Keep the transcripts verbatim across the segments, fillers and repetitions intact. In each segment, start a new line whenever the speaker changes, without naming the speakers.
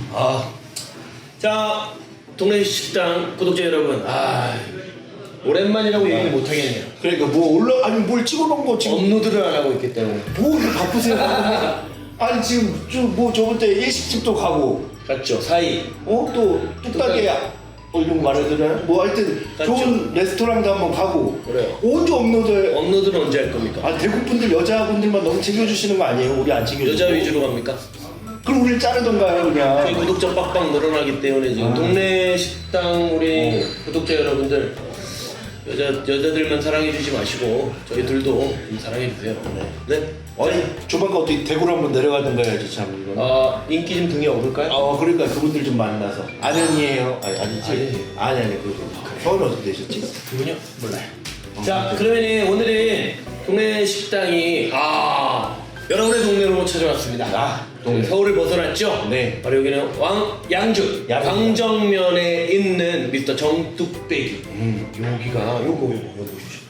아, 자, 동네 식당 구독자 여러분, 아, 오랜만이라고 아, 얘기를 못 하겠네요.
그러니까 뭐 올라 아니 뭘 찍어놓은 거 지금
업로드를 안 하고 있기 때문에.
뭐 이렇게 바쁘세요? 아니 지금 좀뭐 저번 때 일식집도 가고,
맞죠? 사이.
어 또 뚝딱이야. 어 이런 거 말해도 되나요? 뭐 하여튼
맞죠?
좋은 레스토랑도 한번 가고.
그래요.
언제 업로드해?
업로드는 언제 할 겁니까?
아 대구 분들 여자분들만 너무 챙겨주시는 거 아니에요? 우리 안 챙겨주고.
여자 위주로 갑니까?
그럼 우리를 자르던가요 그냥.
저희 구독자 빡빡 늘어나기 때문에 지금
아.
동네 식당 우리 구독자 여러분들 여자 여자들만 사랑해 주지 마시고 저희들도 좀 사랑해 주세요. 네. 네.
아니 조만간 어떻게 대구로 한번 내려가던가 해야지 참 이거.
아 인기 좀 등에 오를까요?
아 그러니까 그분들 좀 만나서. 아련이에요. 아니 아니지.
아니.
아니 아니 그거. 서울 어떻게 되셨지?
그분요? 몰라요. 자 그러면 오늘은 동네 식당이 아 여러분의 동네로 찾아왔습니다.
아, 동네.
서울을 벗어났죠?
네.
바로 여기는 왕 양주
양주.
광정면에 있는 미스터 정뚝배기.
음.
여기가 요거 요거 요거 보십시오.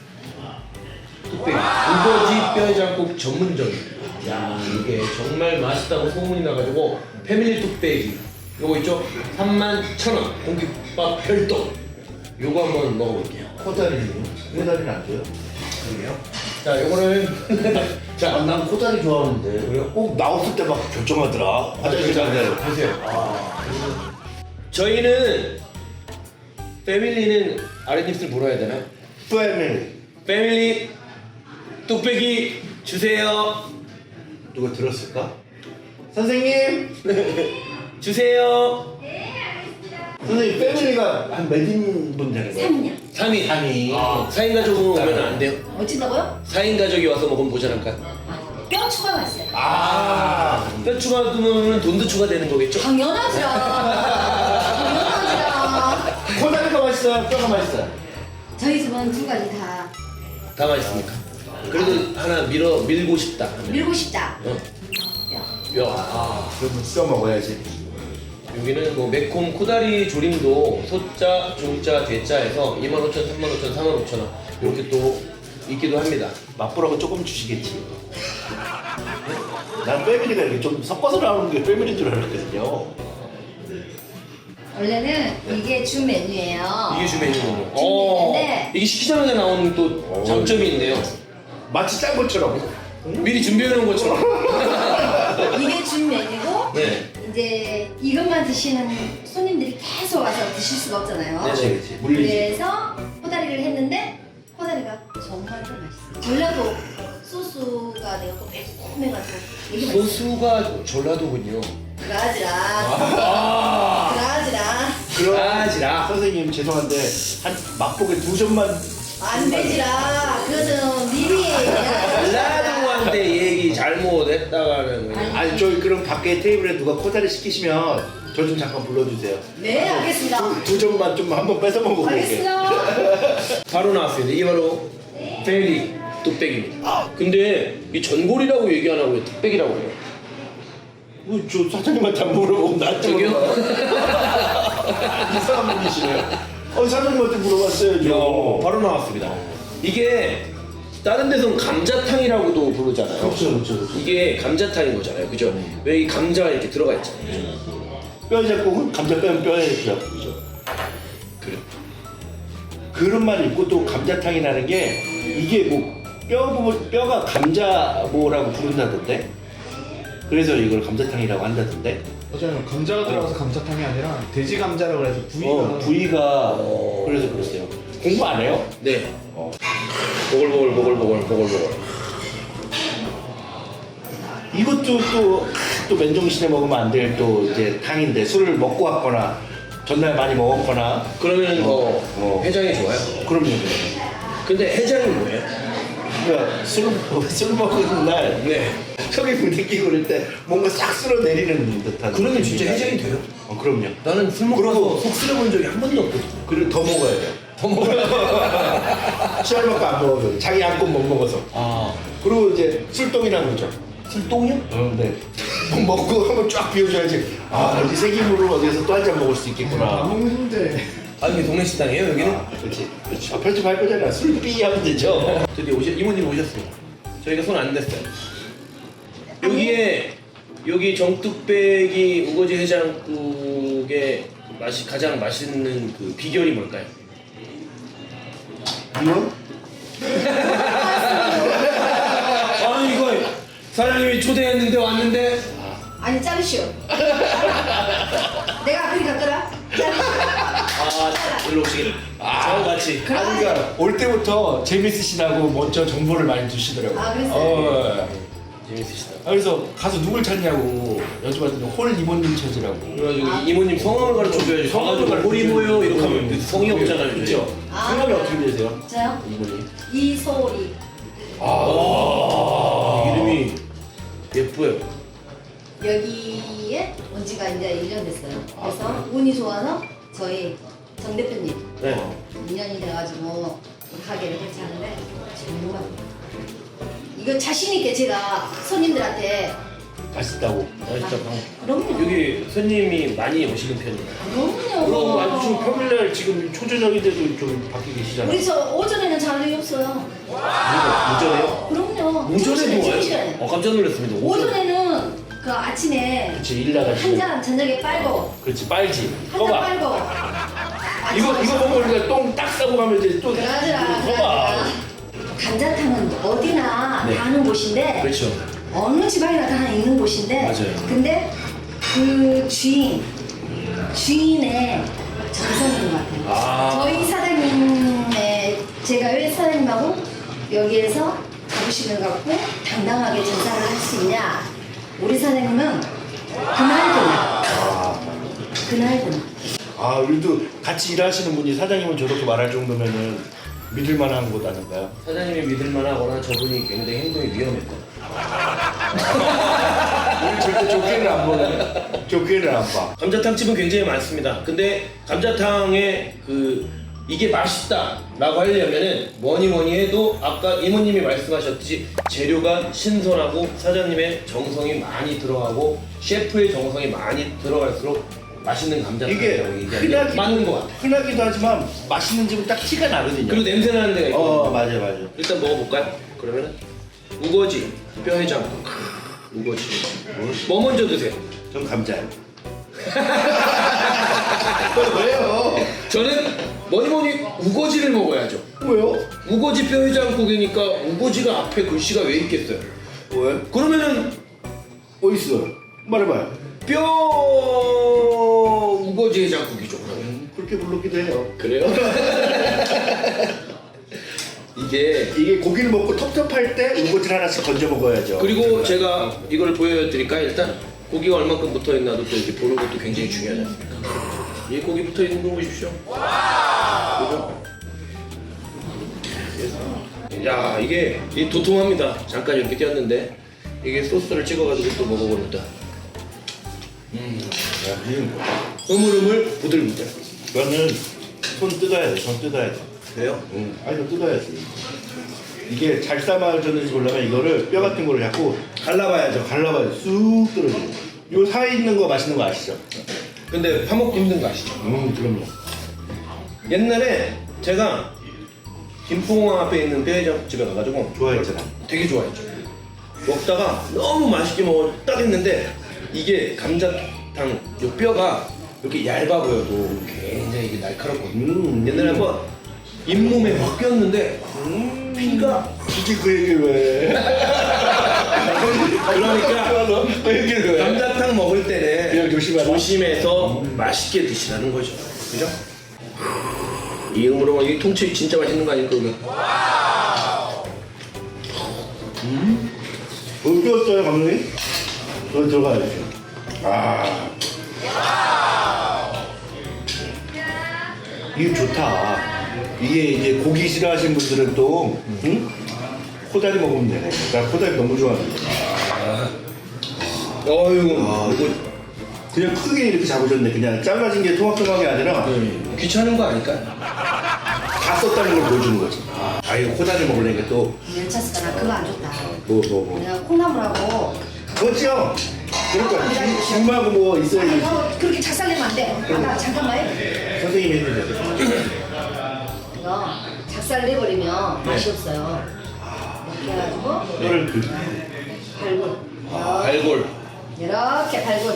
뚝배기 우거지 뼈해장국 전문점입니다. 야 이게 정말 맛있다고 소문이 나가지고 패밀리 뚝배기 요거 있죠? 삼만 천 원 공깃밥 별도. 요거 한번 먹어볼게요.
코다리는? 코다리는 안 돼요?
그러게요. 자, 요거를 자,
아, 난 코다리 좋아하는데.
그래요?
꼭 나왔을 때 막 결정하더라. 화장실 가서.
보세요. 아, 저희는 패밀리는 아랫입술 물어야 되나요?
패밀리.
패밀리 뚝배기 주세요.
누가 들었을까? 선생님!
주세요.
선생님, 패밀리가 한 몇 인분 되는 거예요?
삼 년.
삼 인.
삼 인.
아, 사 인 가족은 오면 안 돼요?
어찌다고요?
사 인 가족이 와서 먹으면 모자랄까요?
뼈 추가가 있어요.
아.
뼈 추가하면 돈도 추가되는 거겠죠?
당연하죠. 당연하죠.
코다리가 맛있어요? 뼈가 맛있어요?
저희 집은 두 가지 다
다 맛있습니까? 그래도 하나 밀어 밀고 싶다 하면.
밀고 싶다.
어.
뼈.
뼈. 아.
그러면 뼈 먹어야지.
여기는 뭐 매콤 코다리 조림도 소자, 중자, 대자에서 이만 오천, 삼만 오천, 사만 오천 원 이렇게 또 있기도 합니다.
맛보라고 조금 주시겠지. 난 패밀리가 이렇게 좀 섞어서 나오는 게 패밀리인 줄 알았거든요.
원래는 이게 주 메뉴예요.
이게 주 메뉴고.
메뉴인데.
이게 시키자마자 나오는 또 장점이 있네요.
마치 짠 것처럼.
미리 준비해 놓은 것처럼.
이게 주 메뉴고
네.
이제 이것만 드시는 손님들이 계속 와서 드실 수가 없잖아요.
네네.
그렇지. 물리지.
그래서 코다리를 했는데 코다리가 정말 좀 맛있어요. 전라도 소스가 내가 또 매콤해가지고 되게 맛있어요.
소수가 전라도군요.
그라지라.
아.
그라지라.
그럼
아지라.
선생님 죄송한데 한 맛보기 두 점만.
안 되지라. 그것은 미리.
전라도한테 얘기 잘못했다가는 그냥.
아니 저희 그럼 밖에 테이블에 누가 코다리 시키시면 저 좀 잠깐 불러주세요.
네, 알겠습니다.
두, 두 점만 좀 한번 뺏어 먹어볼게.
알겠습니다.
바로 나왔습니다. 이게 바로 패밀리 뚝배기입니다. 근데 이 전골이라고 얘기 안 하고 왜 뚝배기라고 해요?
뭐, 저 사장님한테 안 물어보고 나한테
저기요?
물어봐. 이상한 분이시네요. 어, 사장님한테 물어봤어요.
어, 바로 나왔습니다. 이게 다른 데서는 감자탕이라고도 부르잖아요.
그렇죠, 그렇죠, 그렇죠.
이게 감자탕인 거잖아요. 그죠? 왜 이 감자가 이렇게 들어가 있잖아요.
뼈 잡고 감자 빼면 뼈에 잡고죠.
그래.
그런 말이 있고 또 감자탕이라는 게 이게 뭐 뼈 부분 뼈가 감자 뭐라고 부른다던데. 그래서 이걸 감자탕이라고 한다던데.
맞아요. 감자가 들어가서 감자탕이 아니라 돼지 감자라고 해서 부위가
어, 부위가
어.
그래서 그랬어요. 공부 안 해요?
네.
어.
보글보글 보글보글 보글보글.
이것도 또, 또 맨정신에 먹으면 안 될 또 이제 탕인데 술을 먹고 왔거나 전날 많이 먹었거나
그러면 뭐
어.
해장이 좋아요.
그럼요.
근데 해장이 뭐예요?
그러니까 술, 술 먹은 날
네.
속이 부대끼고 그럴 때 뭔가 싹 쓸어내리는 듯한.
그러면 진짜 해장이 돼요?
어, 그럼요.
나는 술 먹고
그리고-
속 쓰려본 적이 한 번도 없거든.
그리고 더 먹어야 돼요.
더 먹어요.
술 먹고 안 먹어요. 자기 안고 못 먹어서.
아.
그리고 이제 술똥이라는 거죠.
술똥이요?
어, 네. 먹고 한번 쫙 비워줘야지. 아, 이 세기물을 어디서 또 한 잔 먹을 수
밥
있겠구나.
먹는데
아 이게 동네 식당이에요 여기는?
아, 그렇지. 그렇지. 아, 편집할 거잖아. 술 삐 하면 되죠.
드디어 오셨, 이모님 오셨습니다. 저희가 손 안 댔어요. 여기에 여기 정뚝배기 우거지 해장국의 맛이 가장 맛있는 그 비결이 뭘까요?
이거?
아 이거 사장님이 초대했는데 왔는데
아니 자르시오. 내가 그리 갔더라. 자르시오.
아 일로 오시길 저와 같이
아, 그러니까 올 때부터 재밌으시다고 먼저 정보를 많이 주시더라고요.
아, 그랬어요?
어,
재밌으시다.
아, 그래서 가서 누굴 찾냐고 여쭤봤더니 홀 이모님 찾으라고.
그래가지고 이모님 성함을 가르쳐줘야지.
성함을
가가지고 홀이 뭐요 이렇게 하면
음,
성이 없잖아요.
그렇죠.
아.
성함이 어떻게 되세요?
저요?
이모님.
이소리.
아 이름이 예뻐요.
여기에 온 지가 이제 일 년 됐어요. 그래서 운이 좋아서 저희 정 대표님
네.
인연이 돼가지고 가게를 괜찮은데 정말 이거 자신 있게 제가 손님들한테
맛있다고.
맛있다.
그럼요.
여기 손님이 많이 오시는 편이에요.
그럼요.
그럼 아주 지금 평일날 지금 초저녁인데도 좀 밖에 계시잖아요.
우리 저 오전에는 자리 없어요.
무전에요?
그럼요.
무전에도 와요?
시간에.
어 깜짝 놀랐습니다.
오전에는 그 아침에
그렇지 일 나가시고.
한 잔 저녁에 빨고
그렇지 빨지.
한 잔
꺼봐.
빨고
이거 이거 보고 우리가 똥 딱 싸고 가면 이제 또.
그러더라
이거
그러더라.
꺼봐.
감자탕은 어디나
네.
다 하는 곳인데
그렇죠.
어느 집안이나 다 있는 곳인데
맞아요.
근데 그 주인 주인의 정성인 것 같아요.
아.
저희 사장님의 제가 왜 사장님하고 여기에서 자부심을 갖고 당당하게 장사를 할 수 있냐? 우리 사장님은 그날 그날 그날 그날
아 우리도 같이 일하시는 분이 사장님은 저렇게 말할 정도면은 믿을 만한 곳 아닌가요?
사장님이 믿을만하거나 저분이 굉장히 행동이 위험했거나.
우리 절대 좋게는 안 보네. 좋게는 안 봐.
감자탕 집은 굉장히 많습니다. 근데 감자탕에 그 이게 맛있다라고 하려면은 뭐니 뭐니 해도 아까 이모님이 말씀하셨듯이 재료가 신선하고 사장님의 정성이 많이 들어가고 셰프의 정성이 많이 들어갈수록 맛있는
이게
감자탕이라고 얘기하는 게
흔하기
맞는 것 같아요.
흔하기도 하지만 맛있는 집은 딱 티가 나거든요.
그리고 냄새 나는 데가 있거든요.
어 맞아 맞아.
일단 먹어볼까요? 그러면은 우거지 뼈해장국 우거지 뭐 먼저 드세요?
전 감자요. 왜요?
저는 뭐니 뭐니 우거지를 먹어야죠.
왜요?
우거지 뼈해장국이니까 우거지가 앞에 글씨가 왜 있겠어요?
왜?
그러면은
어디 있어? 말해봐요.
뼈 우거지 해장국이죠.
음, 그렇게 불렀기도 해요.
그래요? 이게
이게 고기를 먹고 텁텁할 때 우거지를 하나씩 건져 먹어야죠.
그리고 제가 이걸 보여드릴까요? 일단 고기가 얼만큼 붙어 있나도 또 이렇게 보는 것도 굉장히 중요하지 않습니까? 이 고기 붙어 있는 거 보십시오. 그죠? 야 이게 이 도톰합니다. 잠깐 이렇게 띄었는데 이게 소스를 찍어가지고 또 먹어보는다. 음,
야, 음.
흐물흐물 부들부들.
이거는 손 뜯어야 돼. 손 뜯어야 돼.
그래요?
응. 아니 너 뜯어야지. 이게 잘 삶아졌는지 보려면 이거를 뼈 같은 거를 자꾸 갈라봐야죠. 갈라봐야 쑥 떨어져. 요 사이에 있는 거 맛있는 거 아시죠?
근데 파먹기 힘든 거 아시죠?
음 그럼요.
옛날에 제가 김포공항 앞에 있는 뼈해장국집에 가가지고
좋아했잖아.
되게 좋아했죠. 먹다가 너무 맛있게 먹어 딱 했는데 이게 감자탕 요 뼈가 이렇게 얇아 보여도 굉장히 이게 날카롭거든요.
음.
옛날에 한번 잇몸에 확 꼈는데 음, 피가
굳이 그 얘기를 왜?
그러니까
그 얘기를 왜?
감자탕 먹을 때는
그냥 조심하라.
조심해서 맛있게 드시라는 거죠. 그죠? 이 음으로 이 통째로 진짜 맛있는 거 아닙니까? 그러면?
음? 못 뜯었어요 감독님? 여기 들어가야죠. 아. 이게 좋다. 이게 이제 고기 싫어하시는 분들은 또 응? 코다리 먹으면 되네. 나 코다리 너무 좋아하는데.
어이구
아,
이거
그냥 크게 이렇게 잡으셨네. 그냥 잘라진 게 토막토막이 아니라
귀찮은 거 아닐까?
다 썼다는 걸 보여주는 거지. 아 이거 코다리 먹으려니까 또
멸차스가 나 그거 안 좋다.
뭐 뭐 뭐.
그냥 콩나물하고
그렇죠. 그러니까 중마고 뭐
아니
있어야지.
너 그렇게 작살내면 안 돼. 아, 나 잠깐만 해.
선생님이 했는데.
이거 작살 내버리면 맛이 없어요. 이렇게 해가지고
뼈를 그
발골.
알골
이렇게 발군.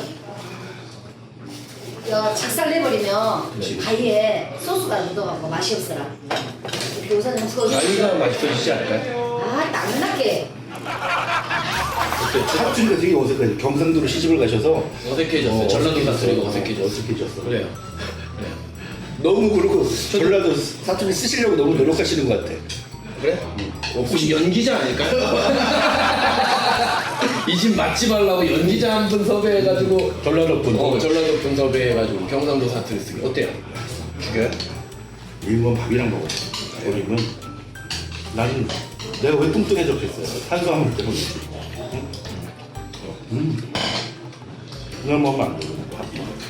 이거 착살 내버리면 가위에 소스가 묻어갖고 맛이 없어라. 이렇게 우선 좀
가위가 맛있어지지 않을까요?
아, 낭낭하게.
사투리가 되게 어색해요. 경상도로 시집을 가셔서
어색해졌어요.
어,
전라도
어색해졌어요.
사투리가 어색해졌어.
어색해졌어.
그래요.
너무 그러고 전라도 사투리 쓰시려고 너무 노력하시는 것 같아.
그래? 혹시 연기자 아닐까요? 이 집 맛집 하려고 연기자 한 분 섭외해가지고
전라도 분.
어, 전라도 분 섭외해가지고 경상도 사투리 쓰기 어때요? 죽여요?
이건 밥이랑 먹어. 버리면 나는 내가 왜 뚱뚱해졌겠어요. 탄수화물 때문에. 응? 음. 그냥 먹으면 안 돼. 밥.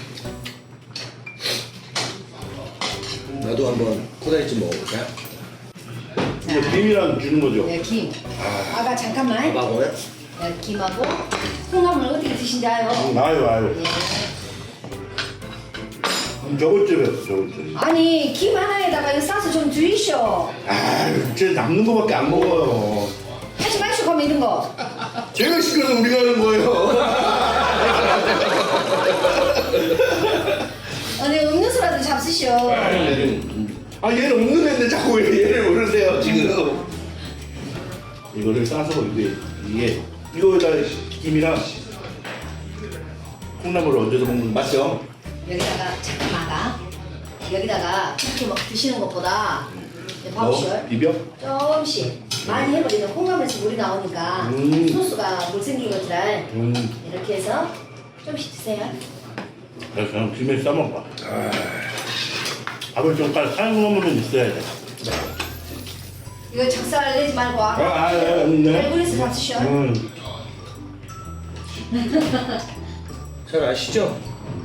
나도 한번 코다리찜 먹어볼까요?
이거 김이랑 주는 거죠.
네, 김. 아가 잠깐만.
먹어요?
네, 김하고 콩나물 어떻게 드신다요?
음, 아유 아유.
예.
음, 저것집에 저것집.
아니 김 하나에다가 이거 싸서 좀 주이쇼.
아유, 쟤 남는 거밖에 안 먹어요.
하지 마시고 하면 이런 거.
제가 시켜서 우리가 하는 거예요.
아니 음료수라도 잡수쇼.
아 얘는 없는 애인데 자꾸 왜 얘를 모르세요 지금. 이거를 싸서 이게 이게 이거에다 김이랑 콩나물을 얹어서 먹는 거 맞죠?
여기다가 잠깐만 아가. 여기다가 이렇게 막 드시는 것보다 밥쇼
뭐? 비벼?
조금씩 많이 해버리면 콩나물에서 물이 나오니까
음.
소스가 물 생기거든.
음,
이렇게 해서 조금씩 드세요.
그래서 그냥 김에 싸먹어. 아, 밥을 좀 빨리 사는 놈은 있어야 돼.
이거 작살 내지 말고
아, 아, 아, 네.
발굴해서 잡수셔.
음.
잘 아시죠?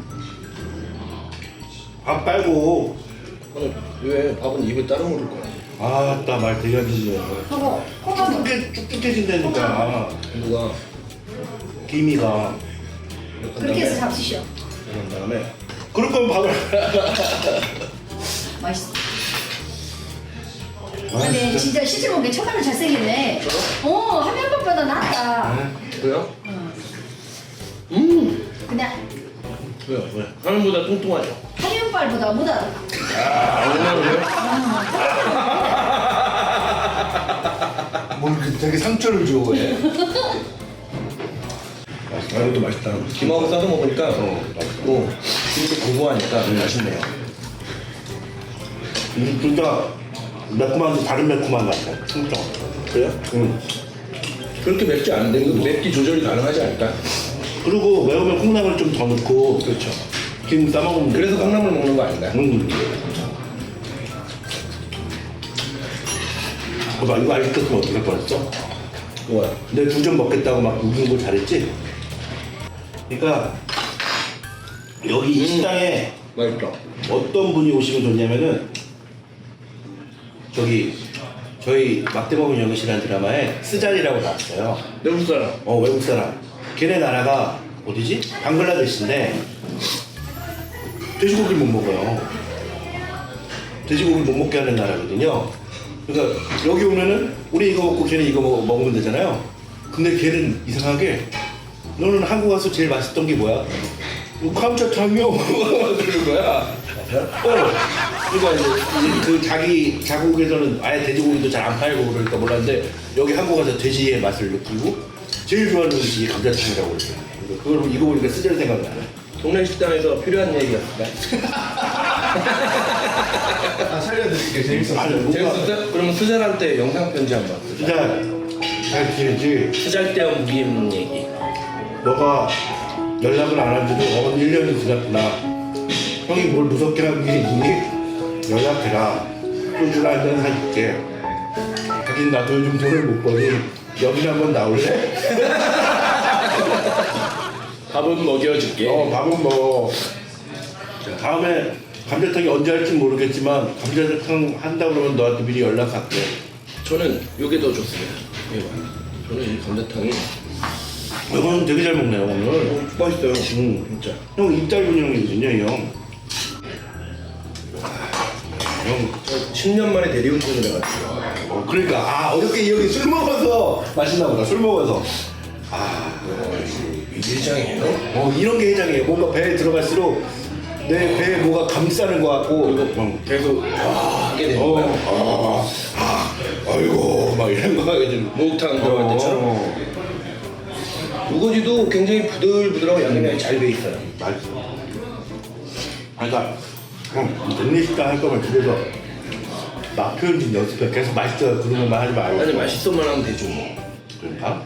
밥 빨고.
아니, 왜 밥은 입에 따로 물을 거야?
아따 말 되게 하시네.
하고 콩나물
쭉쭉해 쭉쭉해진다니까.
누가
김이가.
그렇게 해서 잡수셔.
그런 다음에
그럴 거면 밥을.
맛있어. 근데 진짜 실제로 보니까 첫날은 잘생겼네. 어, 화면밥보다 낫다.
왜요?
응.
음
그냥
왜요? 왜? 화면보다 뚱뚱하죠?
화면빨보다 못하다.
아 정말로요?
뭘 그 되게 상처를 줘 왜?
아 이것도 맛있다. 김하고 싸서 먹으니까 어, 맛있고 김도 고소하니까 맛있네요.
음, 진짜 매콤한데 다른 매콤한 것 같아. 진짜.
그래요?
응.
그렇게 맵지 않은데 이거 맵기 조절이 가능하지 않을까?
그리고 매우면 콩나물 좀 더 넣고.
그렇죠.
김 싸먹으면
그래서
되니까.
콩나물 먹는 거 아닌가요?
응. 어, 나 이거 아직도 어떻게 할 뻔했어?
뭐야?
내 두 점 먹겠다고 막 우는 거 잘했지? 그러니까 여기 이
음.
식당에
맛있다.
어떤 분이 오시면 좋냐면은 저기 저희 막대먹은 연극이라는 드라마에 스잔이라고 나왔어요.
외국 사람.
어 외국 사람. 걔네 나라가 어디지? 방글라데시인데 돼지고기를 못 먹어요. 돼지고기를 못 먹게 하는 나라거든요. 그러니까 여기 오면은 우리 이거 먹고 걔네 이거 먹, 먹으면 되잖아요. 근데 걔는 이상하게 너는 한국 와서 제일 맛있던 게 뭐야? 감자탕이요. 그러는 거야. 어. 그러니까 이제 그 자기 자국에서는 아예 돼지고기도 잘 안 팔고 그러니까 몰랐는데 여기 한국 와서 돼지의 맛을 느끼고 제일 좋아하는 음식이 감자탕이라고 그랬어요. 그걸 이거 보니까 쓰절 생각나네.
동네 식당에서 필요한 얘기였을까?
아, 살려드릴게요. 재밌었어요.
아니, 뭔가
재밌었어요? 그러면 수잘한테 영상 편지 한번.
진짜 잘 지내지.
수잘데어 무기임 얘기.
너가 연락을 안 한 지도 어, 일 년이 지났구나. 형이 뭘 무섭게 하는 게 있니? 연락해라. 소주 한잔 사줄게. 하긴 나도 요즘 돈을 못 버니 여기 한번 나올래?
밥은 먹여줄게.
어, 밥은 먹어. 다음에 감자탕이 언제 할지 모르겠지만 감자탕 한다 그러면 너한테 미리 연락할게.
저는 이게 더 좋습니다. 이거. 저는 이 감자탕이
이거는 되게 잘 먹네요 오늘.
어, 맛있어요.
음.
진짜.
형 입 짧은 형이거든요 이 형. 형.
십 년 만에 대리운전을 해가지고.
어, 그러니까 아 어저께 이 형이 술 먹어서 맛있나 보다. 술 먹어서. 아,
이게 해장이에요?
어 이런 게 해장이에요. 뭔가 배에 들어갈수록 내 배에 뭐가 감싸는 것 같고 어, 계속
아, 하게 되는
어,
거야?
아, 아, 아이고 막 이런 거 하게 좀
목욕탕 들어갈 때처럼.
어,
우거지도 굉장히 부들부들하고 양념이 잘 돼 있어요.
맛있어. 그러니까 형 백리식당 할 거면 집에서 맛 표현 좀 연습해. 계속 맛있어 그런 것만 하지 말고.
아니 맛있어만 하면 되죠 뭐.
그러니까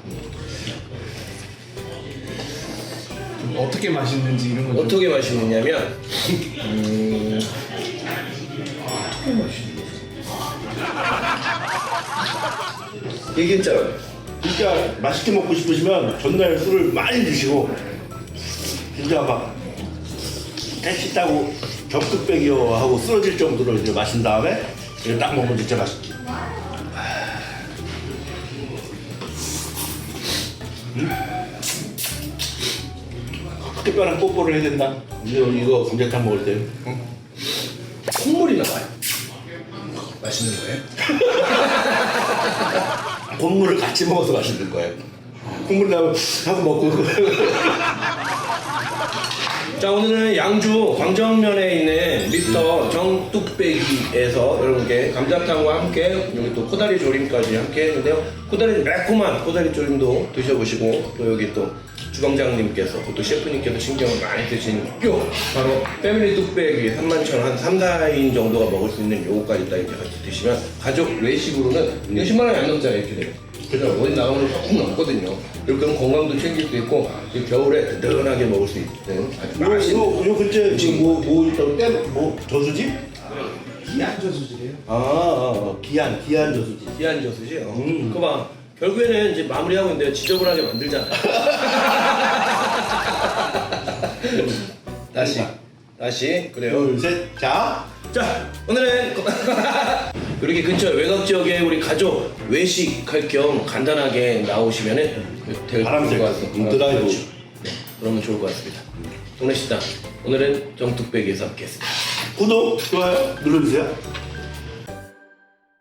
어떻게 맛있는지 이런 건 좀-
어떻게 맛있느냐면 음... 어떻게 맛있는 이게 진짜
진짜 맛있게 먹고 싶으시면 전날 술을 많이 드시고 진짜 막 택시 타고 격투백이요 하고 쓰러질 정도로 이제 마신 다음에 이거 딱 먹으면 진짜 맛있지. 음? 특별한 뽀뽀를 해야 된다. 이거 이거 감자탕 먹을 때. 응?
콧물이 나와요. 맛있는 거예요?
콧물을 같이 먹어서 맛있는 거예요. 콧물 나면 하고 먹고.
자 오늘은 양주 광정면에 있는 미스터 정뚝배기에서 여러분께 감자탕과 함께 여기 또 코다리 조림까지 함께 했는데요. 코다리 매콤한 코다리 조림도 드셔보시고 또 여기 또 주방장님께서 또 셰프님께서 신경을 많이 쓰신 요 바로 패밀리 뚝배기 삼만 천 한 삼, 사인 정도가 먹을 수 있는 요거까지 딱 이제 같이 드시면 가족 외식으로는 이거 십만 원이 안 넘잖아요 이렇게 돼요. 그래서 어디 나가면 조금 넘거든요. 이렇게 하면 건강도 챙길 수 있고 이 겨울에 든든하게 먹을 수 있는 아주
요,
맛있는
요, 요 근처에 지금 뭐, 뭐 있다고? 때, 뭐, 저수지?
기안 저수지래요.
아, 아, 아, 기한, 기한 저수지.
귀한 저수지. 어.
음.
그거 봐. 결국에는 이제 마무리하고 있는데 지저분하게 만들잖아. 다시. 다시. 그래요.
둘, 셋, 자.
자, 오늘은 이렇게 근처 외곽 지역에 우리 가족 외식할 겸 간단하게 나오시면은 될
바람 쐬고,
것 같습니다.
음, 드라이브.
그렇죠. 네, 그러면 좋을 것 같습니다. 동네 식당 오늘은 정뚝배기에서 함께했습니다.
구독, 좋아요 눌러주세요.